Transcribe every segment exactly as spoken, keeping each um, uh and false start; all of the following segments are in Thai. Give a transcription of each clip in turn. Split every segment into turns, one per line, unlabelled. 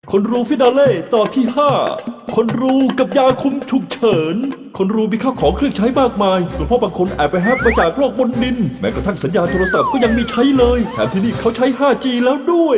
คนรูฟินาเล่ตอนที่ห้าคนรูกับยาคุมฉุกเฉินคนรูมีข้าวของเครื่องใช้มากมายหลวงพ่อบางคนแอบไปแฮกมาจากโลกบนดินแม้กระทั่งสัญญาณโทรศัพท์ก็ยังมีใช้เลยแถมที่นี่เขาใช้ ห้าจี แล้วด้วย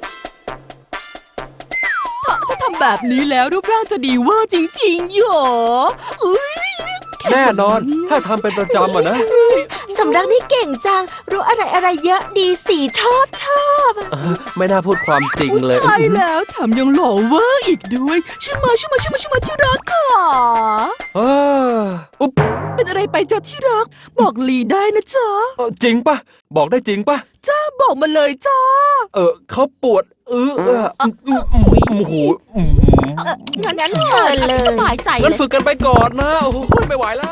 ถ้าถ้าทำแบบนี้แล้วรูปร่างจะดีเว่าจริงๆหรออุ้ย
แน่นอนถ้าทำเป็นประจำอะนะ
สำรักนี่เก่งจังรู้อะไรอะไรเยอะดีสีชอบชอบ
ไม่น่าพูดความจริงเลย
ใช่แล้วแถมยังหล่อเวอร์อีกด้วยช่วยมาช่วยมาช่วยมาช่วยมาที่รักค่ะ
เอออุ๊บ
เป็นอะไรไปจ้ะที่รักบอกลีได้นะจ๊ะ
จริงปะบอกได้จริงปะ
จ้าบอกมาเลยจ้า
เออเขาปวดเออเออโอ้โห
งั้นงั้นเชิญเลย
สบายใจ
งั้นฝึกกันไปก่อนนะโอ้โหไม่ไหวแล้ว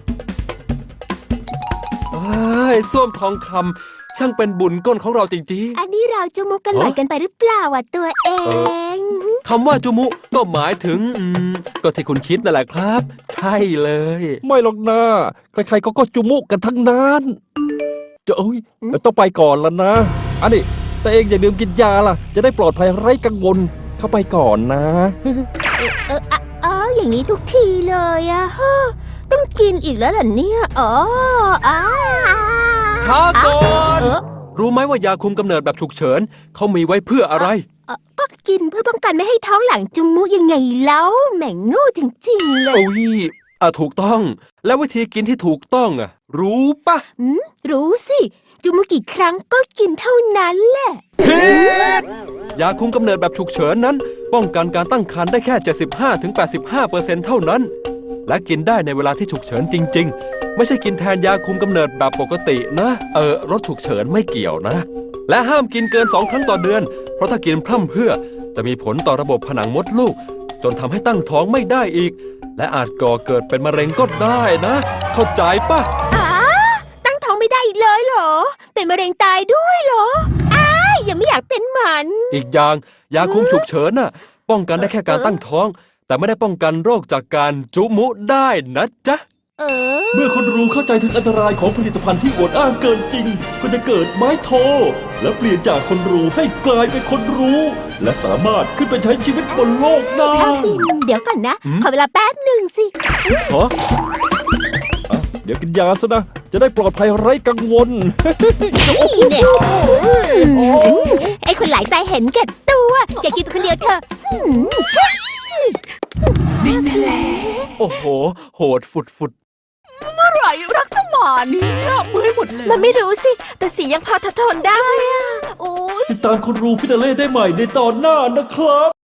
เฮ้ยส้วมทองคำช่างเป็นบุญก้นของเราจริงๆ
อันนี้เราจุมุกกันหน่อยกันไปหรือเปล่าอ่ะตัวเอง
คำว่าจุมุก็หมายถึงก็ที่คุณคิดนั่นแหละครับใช่เลย
ไม่หรอกนะใครๆก็ก็จุมุกันทั้งนั้นจะเอ้ยต้องไปก่อนแล้วนะอันนี้แต่เองอย่าลืมกินยาล่ะจะได้ปลอดภัยไร้กังวลเข้าไปก่อนนะ
เอออ๋ออย่างนี้ทุกทีเลยอะฮะต้องกินอีกแล้วเหรอเนี่ยอ๋ออ้า
ช้าก่อนรู้ไหมว่ายาคุมกำเนิดแบบฉุกเฉินเขามีไว้เพื่ออะไร
ก็กินเพื่อป้องกันไม่ให้ท้องหลังจุมุยังไงแล้วแหม่งโง่จริงๆเลย
โอ้ยอ่ะถูกต้องแล้ววิธีกินที่ถูกต้องอ่ะรู้ปะ
อืมรู้สิจุมุกี่ครั้งก็กินเท่านั้นแหละ
ผิดยาคุมกำเนิดแบบฉุกเฉินนั้นป้องกันการตั้งครรภ์ได้แค่ เจ็ดสิบห้าถึงแปดสิบห้าเปอร์เซ็นต์ เท่านั้นและกินได้ในเวลาที่ฉุกเฉินจริงๆไม่ใช่กินแทนยาคุมกำเนิดแบบปกตินะเออรถฉุกเฉินไม่เกี่ยวนะและห้ามกินเกินสองครั้งต่อเดือนเพราะถ้ากินพร่ำเพรื่อจะมีผลต่อระบบผนังมดลูกจนทำให้ตั้งท้องไม่ได้อีกและอาจก่อเกิดเป็นมะเร็งก็ได้นะเข้าใจปะ
อ๋อตั้งท้องไม่ได้อีกเลยเหรอเป็นมะเร็งตายด้วยเหรออ้ายยังไม่อยากเป็นหมัน
อีกอย่างยาคุมฉุกเฉินน่ะป้องกันได้แค่การตั้งท้องแต่ไม่ได้ป้องกันโรคจากการจุมุได้นะจ๊ะ
เออ
เมื่อคนรู้เข้าใจถึงอันตรายของผลิตภัณฑ์ที่อวดอ้างเกินจริงก็จะเกิดไม้โทและเปลี่ยนจากคนรู้ให้กลายเป็นคนรู้และสามารถขึ้นไปใช้ชีวิตบนโลกได้
เดี๋ยวก่อนนะขอเวลาแป๊บหนึ่งสิ
ฮะเดี๋ยวกินยาซะนะจะได้ปลอดภัยไร้กังวล
นี่เนี่ยไอ้คนหลายใจเห็นแก่ตัวแกกินคนเดียวเถอะใช่
นี่แหละ
โอ้โหโหดฝุดฝุด
เมื่อไหร่รักจะมาเนี่ยเมื่อยหมดเลย
มันไม่รู้สิแต่สียังพอทนได้อะโอ้ย
ติดตามคนรู้ฟินาเล่ได้ใหม่ในตอนหน้านะครับ